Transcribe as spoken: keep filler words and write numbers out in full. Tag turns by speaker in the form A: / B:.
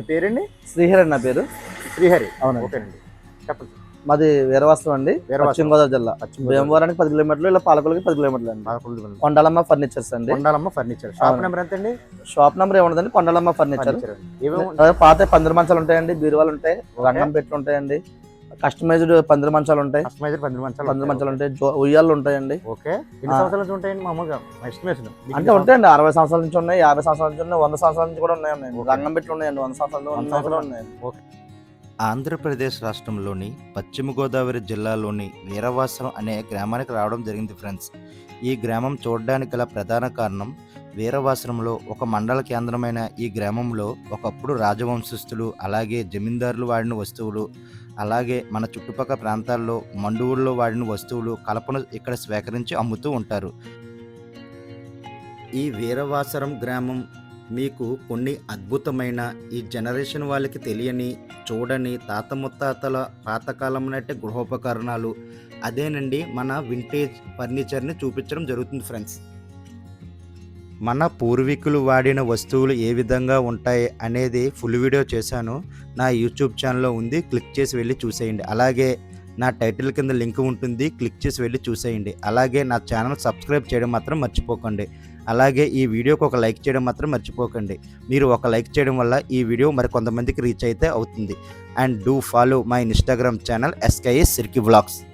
A: మీ పేరండి?
B: శ్రీహరి నా పేరు.
A: శ్రీహరి.
B: అవునండి.
A: ఓకేనండి, చెప్పండి.
B: మాది వీరవాసరం అండి,
A: వీరవాసరం.
B: పశ్చిమ గోదావరి జిల్లా.
A: పశ్చిమ గోదావరి.
B: భీమవరానికి పది కిలోమీటర్లు, ఇలా పాలకొల్లుకి పది కిలోమీటర్లు అండి.
A: పాలకొల్లు.
B: కొండలమ్మ ఫర్నిచర్స్ అండి.
A: కొండాలమ్మ ఫర్నిచర్. షాప్
B: అవును.
A: నెంబర్ ఎంత అండి?
B: షాప్ నెంబర్ ఏముండదండి, కొండలమ్మ ఫర్నిచర్.
A: ఫర్నిచర్ అండి. ఏమేమి
B: అదే పాత పందిరి మంచాలు ఉంటాయండి, బీరువాలు ఉంటాయి, రంగం పెట్లు ఉంటాయండి, కస్టమైజ్డ్ పందిరి మంచాలు ఉంటాయి,
A: కస్టమైజర్ పందిరి మంచాలు
B: పందిరి మంచాలు ఉంటాయి, జో- ఉయ్యాలు ఉంటాయండి.
A: ఓకే. ఎన్ని సంవత్సరాల నుంచి ఉంటాయండి మామూలుగా ఎస్టిమేషన్?
B: అంటే ఉంటాయండి, అరవై సంవత్సరాల నుంచి ఉన్నాయి, యాభై సంవత్సరాల నుంచి ఉన్నాయి, వంద సంవత్సరాల నుంచి కూడా ఉన్నాయండి. రంగం పెట్లు ఉన్నాయండి, వంద సంవత్సరాలు ఉన్నాయి కూడా ఉన్నాయండి.
A: ఓకే.
C: ఆంధ్రప్రదేశ్ రాష్ట్రంలోని పశ్చిమ గోదావరి జిల్లాలోని వీరవాసరం అనే గ్రామానికి రావడం జరిగింది ఫ్రెండ్స్. ఈ గ్రామం చూడడానికి గల ప్రధాన కారణం, వీరవాసరంలో ఒక మండల కేంద్రమైన ఈ గ్రామంలో ఒకప్పుడు రాజవంశస్థులు, అలాగే జమీందారులు వాడిన వస్తువులు, అలాగే మన చుట్టుపక్కల ప్రాంతాల్లో మండువుల్లో వాడిన వస్తువులు కలపను ఇక్కడ స్వీకరించి అమ్ముతూ ఉంటారు. ఈ వీరవాసరం గ్రామం మీకు కొన్ని అద్భుతమైన, ఈ జనరేషన్ వాళ్ళకి తెలియని, చూడని తాత ముత్తాతల పాతకాలం నాటి గృహోపకరణాలు, అదేనండి మన వింటేజ్ ఫర్నిచర్ని చూపించడం జరుగుతుంది ఫ్రెండ్స్. మన పూర్వీకులు వాడిన వస్తువులు ఏ విధంగా ఉంటాయి అనేది ఫుల్ వీడియో చేశాను, నా యూట్యూబ్ ఛానల్లో ఉంది, క్లిక్ చేసి వెళ్ళి చూసేయండి. అలాగే నా టైటిల్ కింద లింక్ ఉంటుంది, క్లిక్ చేసి వెళ్ళి చూసేయండి. అలాగే నా ఛానల్ సబ్స్క్రైబ్ చేయడం మాత్రం మర్చిపోకండి. అలాగే ఈ వీడియోకి ఒక లైక్ చేయడం మాత్రం మర్చిపోకండి. మీరు ఒక లైక్ చేయడం వల్ల ఈ వీడియో మరి కొంతమందికి రీచ్ అయితే అవుతుంది. And do follow my Instagram channel SKS సిర్కి వ్లాగ్స్.